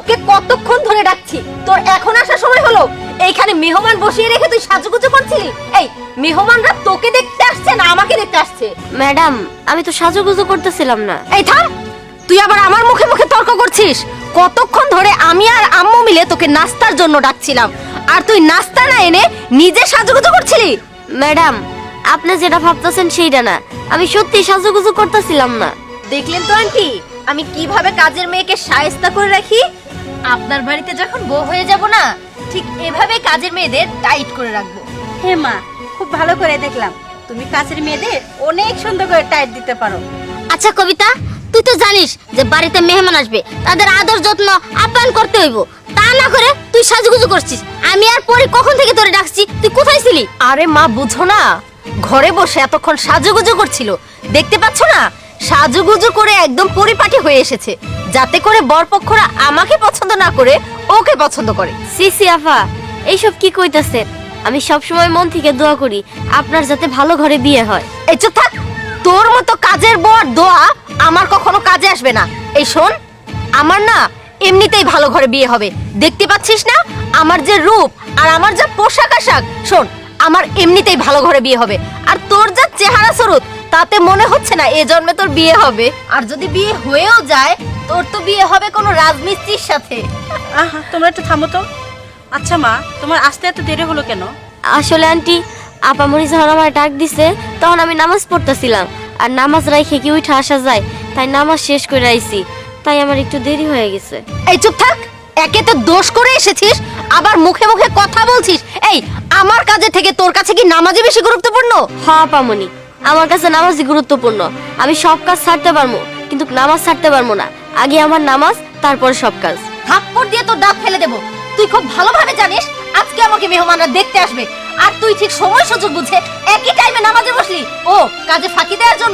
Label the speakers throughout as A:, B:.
A: তোকে কতক্ষণ ধরে ডাকছি, তোর এখন আসার সময় হলো? এইখানে মেহমান বসিয়ে রেখে তুই সাজুগুজু করছিলি? এই মেহমানরা তোকে দেখতে আসছে না আমাকে দেখতে আসছে?
B: ম্যাডাম, আমি তো সাজুগুজু করতেছিলাম না।
A: এই থাম, তুই আবার আমার মুখে মুখে তর্ক করছিস। কতক্ষণ ধরে আমি আর আম্মু মিলে তোকে নাস্তার জন্য ডাকছিলাম, আর তুই নাস্তা না এনে নিজে সাজুগুজু করছিলি।
B: ম্যাডাম, আপনি যেটা ভাবতেছেন সেইটা না, আমি সত্যি সাজুগুজু করতেছিলাম না।
A: দেখলেন তো আন্টি, আমি কিভাবে কাজের মেয়েকে শায়েস্তা করে রাখি। আপনার বাড়িতে যখন বউ হয়ে যাব না, ঠিক এভাবে কাজের মেয়েদের টাইট করে রাখবো।
C: হে মা, খুব ভালো করে দেখলাম তুমি কাছের মেয়েদের অনেক সুন্দর করে টাইট দিতে পারো।
B: আচ্ছা কবিতা, তুই তো জানিস যে বাড়িতে মেহমান আসবে, তাদের আদর যত্ন আপ্যায়ন করতে হইব। তা না করে তুই সাজুগুজু করছিস। আমি আর পরে কখন থেকে তোরে ডাকছি, তুই কোথায় ছিলি?
A: আরে মা, বুঝো না, ঘরে বসে এতক্ষণ সাজুগুজু করছিল, দেখতে পাচ্ছ না? সাজুগুজু করে একদম পরিপাটি হয়ে এসেছে, যাতে করে বরপক্ষরা আমাকে পছন্দ না করে ওকে পছন্দ করে।
B: সিসি আফা, এইসব কি কইতাছেন? আমি সব সময় মন থেকে দোয়া করি আপনার যাতে ভালো ঘরে বিয়ে হয়।
A: এই চুপ থাক, তোর মতো কাজের বর দোয়া আমার কখনো কাজে আসবে না। এই শোন, আমার না এমনিতেই ভালো ঘরে বিয়ে হবে, দেখতে পাচ্ছিস না আমার যে রূপ আর আমার যা পোশাক আশাক। শোন, আমার এমনিতেই ভালো ঘরে বিয়ে হবে, আর তোর যা চেহারা স্বরূপ, তাতে মনে হচ্ছে না এ জন্মে তোর বিয়ে হবে। আর যদি বিয়ে হয়েও যায়, তোর তো বিয়ে হবে কোনো রাজমিস্ত্রির সাথে।
C: আহা, তোমরা একটু থামো তো। আচ্ছা মা, তোমার আসতে এত দেরি হলো কেন?
B: আসলে আন্টি, আপামনি যখন আমার ডাক দিছে তখন আমি নামাজ পড়তেছিলাম, আর নামাজ রাইখে কি উঠে আসা যায়, তাই নামাজ শেষ করে আইছি, তাই আমার একটু দেরি হয়ে গেছে।
A: এই চুপ থাক, একে তো দোষ করে এসেছিস, আবার মুখে মুখে কথা বলছিস। এই আমার কাজে থেকে তোর কাছে কি নামাজই বেশি গুরুত্বপূর্ণ?
B: হ্যাঁ আপামনি, আমার কাছে নামাজই গুরুত্বপূর্ণ। আমি সব কাজ ছাড়তে পারবো, কিন্তু নামাজ ছাড়তে পারবো না। আগে আমার নামাজ, তারপরে সব কাজ।
A: থাপ্পড় দিয়ে তোর দাঁত ফেলে দেবো। তুই খুব ভালোভাবে জানিস আজকে আমাকে মেহমানরা দেখতে আসবে, আর তুই ঠিক সময় সুযোগ বুঝে একই টাইমে নামাজে বসলি, ও কাজে ফাঁকি দেওয়ার জন্য।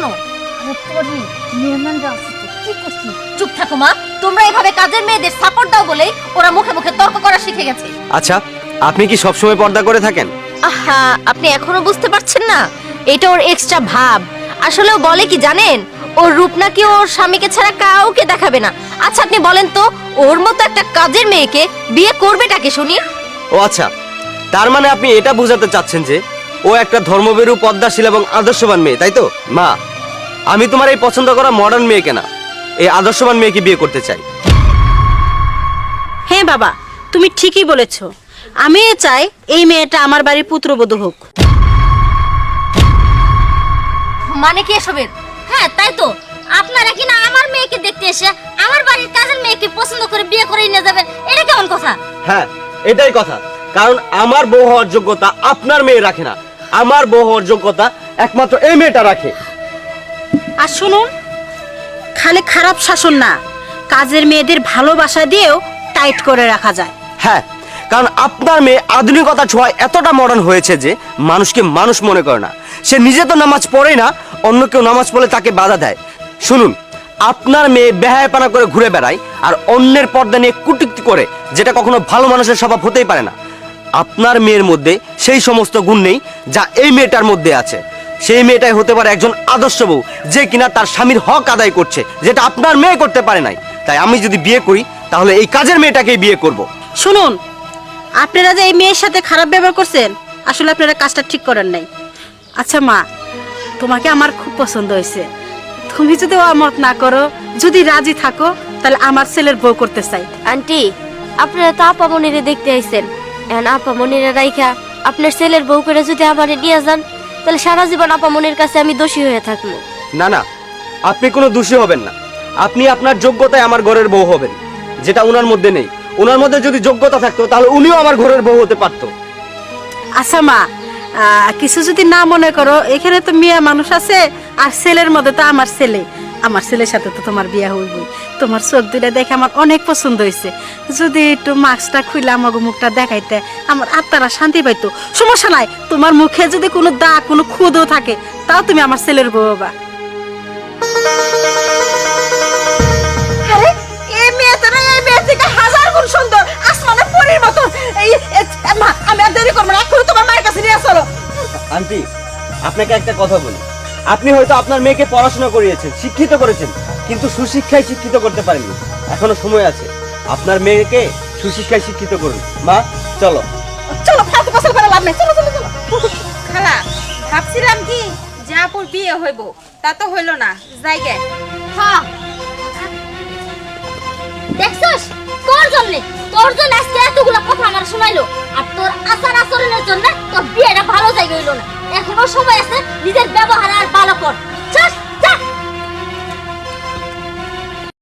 A: মেহমানরা আসছে, কি করছিস? চুপ থাকো মা, তোমরা এভাবে কাজের মেয়েদের সাপোর্ট দাও বলেই ওরা মুখে মুখে তর্ক করা শিখে গেছে।
D: আচ্ছা, আপনি কি সবসময় পর্দা করে থাকেন?
A: আহা, আপনি এখনো বুঝতে পারছেন না? এটা ওর এক্সট্রা ভাব। আসলে ও বলে কি জানেন, ওর রূপ নাকি ওর স্বামীকে ছাড়া কাউকে দেখাবে না। আচ্ছা আপনি বলেন তো, ওর মতো একটা কাজের মেয়েকে বিয়ে করবেটাকে শুনি?
D: ও আচ্ছা, তার মানে আপনি এটা বোঝাতে চাচ্ছেন যে ও একটা ধর্মভীরু, পদ্মাশীল এবং আদর্শবান মেয়ে, তাই তো? মা, আমি তোমার এই পছন্দ করা মডার্ন মেয়েকে না, এই আদর্শবান মেয়েকে বিয়ে করতে চাই।
C: হ্যাঁ বাবা, তুমি ঠিকই বলেছো। আমি চাই এই মেয়েটা আমার বাড়ির পুত্রবধূ হোক।
A: মানে কি এসবের?
B: হ্যাঁ তাই তো, আপনারা কি না আমার মেয়েকে দেখতে এসে আমার বাড়ির কাজের মেয়েকে পছন্দ করে বিয়ে করে নিয়ে যাবেন? এটা কেমন কথা?
D: হ্যাঁ, এটাই কথা। কারণ আমার বউ হওয়ার যোগ্যতা আপনার মেয়ে রাখে না, আমার বউ হওয়ার যোগ্যতা একমাত্র এই মেয়েটা রাখে।
C: আর শুনুন, খালি খারাপ শাসন না, কাজের মেয়েদের ভালোবাসা দিয়েও টাইট করে রাখা যায়।
D: হ্যাঁ, কারণ আপনার মেয়ে আধুনিকতা ছোঁয়ায় এতটা মডার্ন হয়েছে যে মানুষকে মানুষ মনে করে না। সে নিজে তো নামাজ পড়ে না, অন্য কেউ নামাজ পড়লে তাকে বাধা দেয়। শুনুন, আপনার মেয়ে বেহায়াপনা করে ঘুরে বেড়ায় আর অন্যের পর্দা নিয়ে কুটুক্তি করে, যেটা কখনো ভালো মানুষের স্বভাব হতেই পারে না। আপনার মেয়ের মধ্যে সেই সমস্ত গুণ নেই যা এই মেয়েটার মধ্যে আছে। সেই মেয়েটাই হতে পারে একজন আদর্শ বউ, যে কিনা তার স্বামীর হক আদায় করছে, যেটা আপনার মেয়ে করতে পারে নাই। তাই আমি যদি বিয়ে করি, তাহলে এই কাজের মেয়েটাকেই বিয়ে করব।
C: শুনুন, আপনারা যে এই মেয়ের সাথে খারাপ ব্যবহার করছেন, আসলে আপনারা কাজটা ঠিক করেন নাই। আচ্ছা মা, তোমাকে আমার খুব পছন্দ হয়েছে। তুমি যদি অমত না করো, যদি রাজি থাকো, তাহলে আমার ছেলের বউ করতে চাই।
B: আন্টি, আপনারা তো আপামনিরে দেখতে আইছেন, এখন আপামনিরে রাইখা আপনার ছেলের বউ করে যদি আমারে নিয়ে যান, তাহলে সারা জীবন আপামনির কাছে আমি দোষী হয়ে থাকবো।
D: না না, আপনি কোনো দোষী হবেন না। আপনি আপনার যোগ্যতায় আমার ঘরের বউ হবেন, যেটা ওনার মধ্যে নেই। ওনার মধ্যে যদি যোগ্যতা থাকতো, তাহলে উনিও আমার ঘরের বউ হতে পারতো।
C: আচ্ছা মা, কিছু যদি না মনে করো, এখানে তো মেয়ে মানুষ আছে, আর ছেলের মধ্যে তো আমার ছেলে। আমার ছেলের সাথে তো তোমার বিয়ে হইবই। তোমার চোখ দুটা দেখে আমার অনেক পছন্দ হয়েছে। যদি একটু মাস্কটা খুলে আমাকে মুখটা দেখাইতে, আমার আত্মারা শান্তি পাইতো। সমস্যা নাই, তোমার মুখে যদি কোনো দাগ, কোনো খুদও থাকে, তাও তুমি আমার ছেলের বউ হবা। এই মেয়েটা না, এই মেয়ে থেকে হাজার গুণ সুন্দর, আসমানে পরীর মতো। মা, আমি আর দেরি করবো না, এখন তোমার মায়ের কাছে নিয়ে চলো।
D: আন্টি, আপনাকে একটা কথা বলি। আপনি হয়তো আপনার মেয়েকে পড়াশোনা করিয়েছেন, শিক্ষিত করেছেন, কিন্তু সুশিক্ষায় শিক্ষিত করতে পারেননি। এখনো সময় আছে। আপনার মেয়েকে সুশিক্ষায় শিক্ষিত করুন। মা চলো।
C: চলো ফালতু কথা করে লাভ নেই, চলো চলো চলো।
E: খালা ভাবছিলাম কি যে আপুর বিয়ে হইব, তা তো হইল না, জায়গায়
B: হ্যাঁ দেখছস, তোর জন্য আজকে এতগুলা কথা আমার শোনাইলো, আর তোর আচার আচরণের জন্য তোর বিয়েটা ভালো জায়গা হইলো না। এখনো সময় আছে, নিজের ব্যবহার আর ভালো কর।